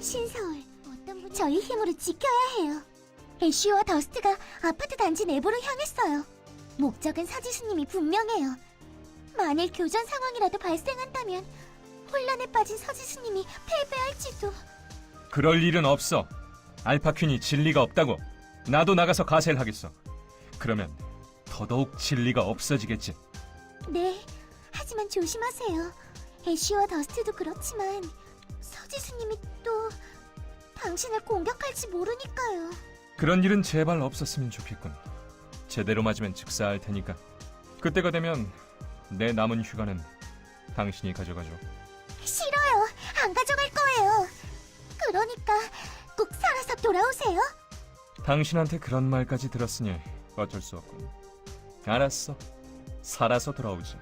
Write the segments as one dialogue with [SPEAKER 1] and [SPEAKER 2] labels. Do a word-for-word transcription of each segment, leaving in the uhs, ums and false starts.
[SPEAKER 1] 신서울, 저희 힘으로 지켜야 해요. 애쉬와 더스트가 아파트 단지 내부로 향했어요. 목적은 서지수님이 분명해요. 만일 교전 상황이라도 발생한다면 혼란에 빠진 서지수님이 패배할지도.
[SPEAKER 2] 그럴 일은 없어. 알파퀸이 진리가 없다고. 나도 나가서 가세를 하겠어. 그러면 더더욱 진리가 없어지겠지.
[SPEAKER 1] 네, 하지만 조심하세요. 애쉬와 더스트도 그렇지만 서지수님이 또 당신을 공격할지 모르니까요.
[SPEAKER 2] 그런 일은 제발 없었으면 좋겠군. 제대로 맞으면 즉사할 테니까. 그때가 되면 내 남은 휴가는 당신이 가져가죠.
[SPEAKER 1] 싫어요. 안 가져갈 거예요. 그러니까 꼭 살아서 돌아오세요.
[SPEAKER 2] 당신한테 그런 말까지 들었으니 어쩔 수 없군. 알았어. 살아서 돌아오지.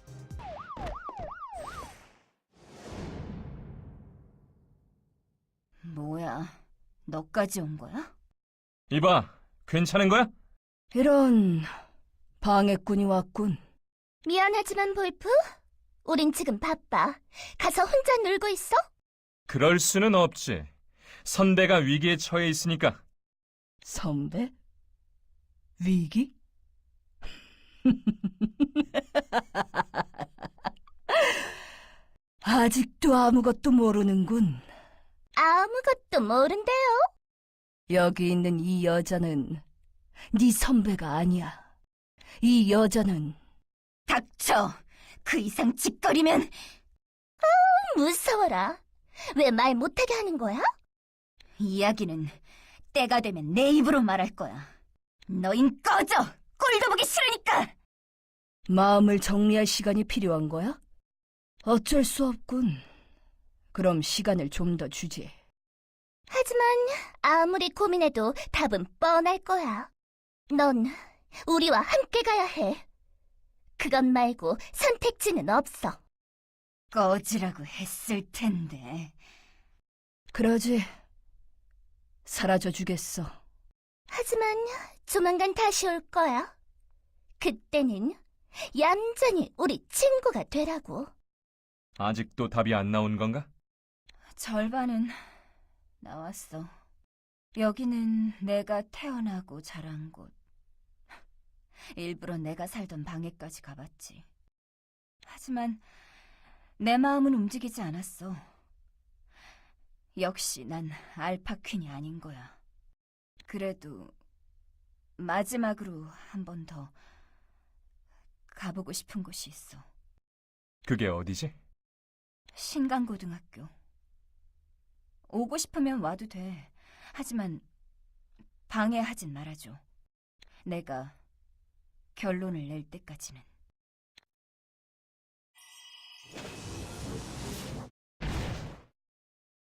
[SPEAKER 3] 뭐야, 너까지 온 거야?
[SPEAKER 2] 이봐, 괜찮은 거야?
[SPEAKER 3] 이런, 방해꾼이 왔군.
[SPEAKER 1] 미안하지만 볼프, 우린 지금 바빠. 가서 혼자 놀고 있어?
[SPEAKER 2] 그럴 수는 없지. 선배가 위기에 처해 있으니까.
[SPEAKER 3] 선배? 위기? 아직도 아무것도 모르는군.
[SPEAKER 1] 아무것도 모른대요.
[SPEAKER 3] 여기 있는 이 여자는 네 선배가 아니야. 이 여자는... 닥쳐! 그 이상 짓거리면...
[SPEAKER 1] 무서워라. 왜 말 못하게 하는 거야?
[SPEAKER 3] 이야기는 때가 되면 내 입으로 말할 거야. 너흰 꺼져! 꼴도 보기 싫으니까! 마음을 정리할 시간이 필요한 거야? 어쩔 수 없군. 그럼 시간을 좀 더 주지.
[SPEAKER 1] 하지만 아무리 고민해도 답은 뻔할 거야. 넌 우리와 함께 가야 해. 그것 말고 선택지는 없어.
[SPEAKER 3] 꺼지라고 했을 텐데. 그러지. 사라져 주겠어.
[SPEAKER 1] 하지만 조만간 다시 올 거야. 그때는 얌전히 우리 친구가 되라고.
[SPEAKER 2] 아직도 답이 안 나온 건가?
[SPEAKER 3] 절반은 나왔어. 여기는 내가 태어나고 자란 곳. 일부러 내가 살던 방에까지 가봤지. 하지만 내 마음은 움직이지 않았어. 역시 난 알파퀸이 아닌 거야. 그래도 마지막으로 한 번 더 가보고 싶은 곳이 있어.
[SPEAKER 2] 그게 어디지?
[SPEAKER 3] 신강고등학교. 오고 싶으면 와도 돼. 하지만 방해하진 말아줘. 내가 결론을 낼 때까지는.